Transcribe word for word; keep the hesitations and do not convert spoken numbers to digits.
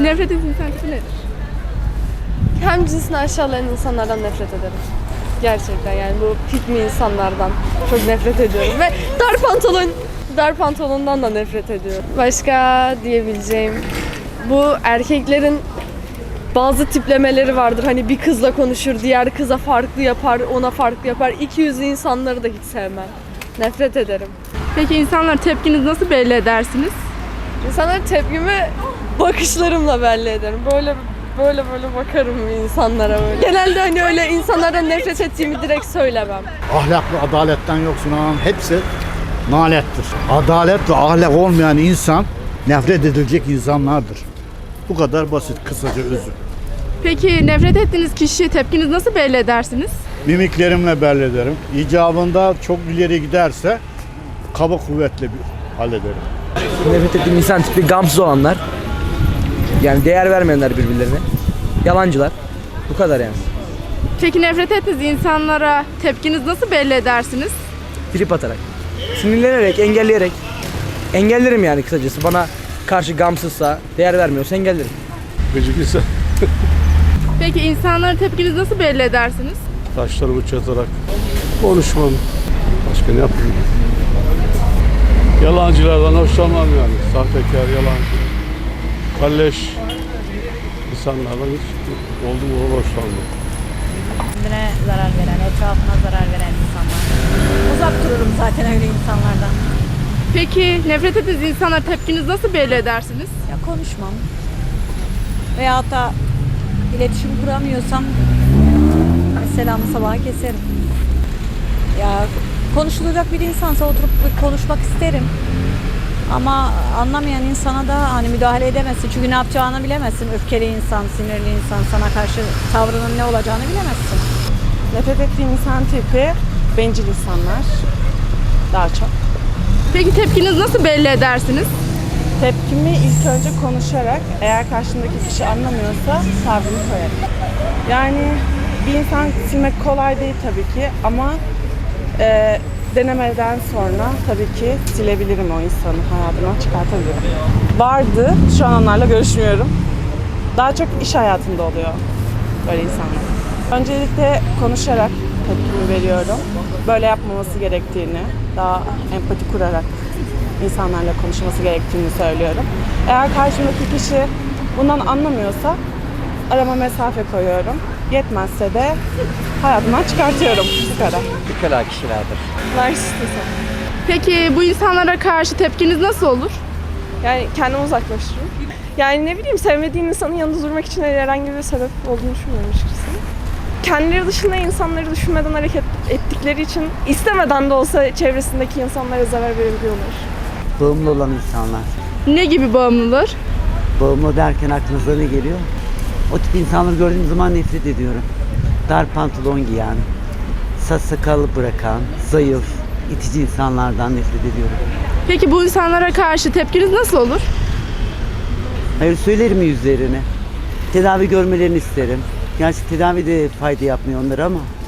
nefret ettiğiniz insan tipi nedir? Hem cinsini aşağılayan insanlardan nefret ederim. Gerçekten yani bu pick me insanlardan çok nefret ediyorum ve dar pantolon dar pantolondan da nefret ediyorum. Başka diyebileceğim bu erkeklerin bazı tiplemeleri vardır. Hani bir kızla konuşur, diğer kıza farklı yapar, ona farklı yapar. İki yüzlü insanları da hiç sevmem. Nefret ederim. Peki insanlar tepkinizi nasıl belli edersiniz? İnsanlara tepkimi bakışlarımla belli ederim. Böyle böyle böyle bakarım insanlara böyle. Genelde hani öyle insanlardan nefret ettiğimi direkt söylemem. Ahlaklı, adaletten yoksun olan hepsi nalettir. Adalet ve ahlak olmayan insan nefret edilecek insanlardır. Bu kadar basit, kısaca özür. Peki nefret ettiğiniz kişiye tepkinizi nasıl belli edersiniz? Mimiklerimle belli ederim. İcabında çok ileri giderse kaba kuvvetle bir hallederim. Nefret ettiğim insan tipi gamsız olanlar. Yani değer vermeyenler birbirlerine. Yalancılar. Bu kadar yani. Peki nefret ettiğiniz insanlara tepkinizi nasıl belli edersiniz? Trip atarak. Sinirlenerek, engelleyerek. Engellerim yani kısacası. Bana karşı gamsızsa, değer vermiyorsa engellerim. Gıcık insan. Peki insanlara tepkinizi nasıl belli edersiniz? Taşlarımı çatarak konuşmam. Başka ne yapayım? Yalancılardan hoşlanmam yani. Sahtekar, yalancı, kalleş insanlardan hiç oldum onu hoşlanmam. Kendine zarar veren, etrafına zarar veren insanlar. Uzak dururum zaten öyle insanlardan. Peki nefret ettiğiniz insanlara tepkinizi nasıl belli edersiniz? Ya konuşmam. Veyahut da iletişim kuramıyorsam selamı sabaha keserim. Ya konuşulacak bir insansa oturup bir konuşmak isterim. Ama anlamayan insana da hani müdahale edemezsin. Çünkü ne yapacağını bilemezsin. Öfkeli insan, sinirli insan, sana karşı tavrının ne olacağını bilemezsin. Nefret ettiğim insan tipi bencil insanlar. Daha çok. Peki tepkinizi nasıl belli edersiniz? Tepkimi ilk önce konuşarak, eğer karşımdaki kişi anlamıyorsa tavrımı koyarım. Yani bir insan silmek kolay değil tabii ki ama e, denemeden sonra tabii ki silebilirim o insanı, hayatımdan çıkartabilirim. Vardı, şu an onlarla görüşmüyorum. Daha çok iş hayatında oluyor böyle insanlar. Öncelikle konuşarak tepkimi veriyorum. Böyle yapmaması gerektiğini, daha empati kurarak insanlarla konuşması gerektiğini söylüyorum. Eğer karşımdaki kişi bundan anlamıyorsa arama mesafe koyuyorum. Yetmezse de hayatımdan çıkartıyorum. Bu kadar. Ukala kişilerdir. Narsist. Peki bu insanlara karşı tepkiniz nasıl olur? Yani kendimi uzaklaştırıyorum. Yani ne bileyim sevmediğim insanın yanında durmak için herhangi bir sebep olduğunu düşünmüyorum açıkçası. Kendileri dışında insanları düşünmeden hareket ettikleri için istemeden de olsa çevresindeki insanlara zarar verebiliyorlar. Bağımlı olan insanlar. Ne gibi bağımlılar? Bağımlı derken aklınıza ne geliyor? O tip insanları gördüğüm zaman nefret ediyorum. Dar pantolon giyen, saç sakalı bırakan, zayıf, itici insanlardan nefret ediyorum. Peki bu insanlara karşı tepkiniz nasıl olur? Hayır, söylerim yüzlerine. Tedavi görmelerini isterim. Gerçi tedavi de fayda yapmıyor onlara ama